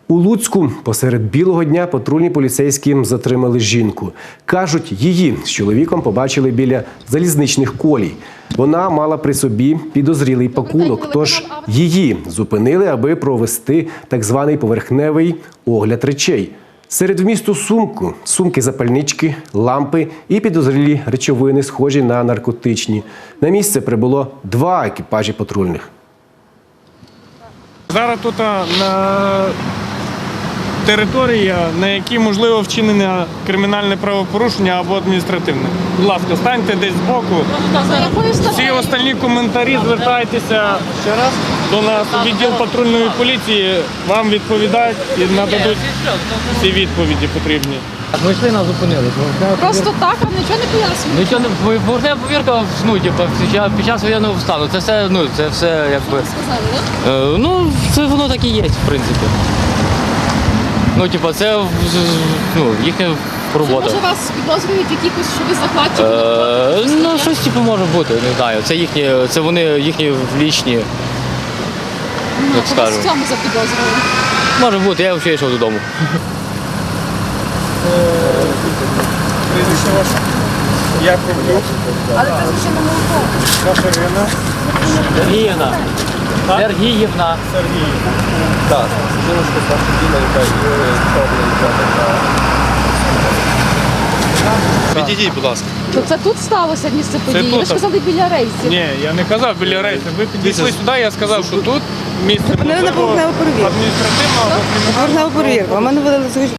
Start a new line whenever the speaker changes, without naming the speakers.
У Луцьку посеред білого дня патрульні поліцейські затримали жінку. Кажуть, її з чоловіком побачили біля залізничних колій. Вона мала при собі підозрілий пакунок, тож її зупинили, аби провести так званий поверхневий огляд речей. Серед вмісту сумки запальнички, лампи і підозрілі речовини, схожі на наркотичні. На місце прибуло 2 екіпажі патрульних.
Зараз тут на території, на якій можливо вчинення кримінальне правопорушення або адміністративне. Будь ласка, станьте десь збоку. Всі остальні коментарі звертайтеся ще раз до нас. Відділ патрульної поліції вам відповідають і нададуть всі відповіді потрібні.
Ми йшли, нас зупинили.
Просто так, а нічого не пояснює?
Нічого не поверхнева повірка, під час воєнного стану. Це все, якби.
Сказали, так?
Це воно так і є, в принципі. Це їхня робота.
Може вас підозрюють якихось, що ви захватчики?
Щось може бути, не знаю. Це вони їхні влічні, як
Вас
скажу.
в цьому запідозрювали?
Може бути, я взагалі йшов додому.
Прізвище ваше? Яковлюк.
Але це звичайно молоко.
Катерина.
Сергіївна. Сергіївна.
Так, жіночка старша діла, яка Відійдіть, будь ласка.
То це тут сталося місце події?
тут.
Ви ж казали біля рейсів.
Ні, я не казав біля рейсу. Ви підійшли сюди, я сказав, що тут місце
Зупинили на поверхневу перевірку.
адміністративного або кримінального.
Поверхневу перевірку. А мене видали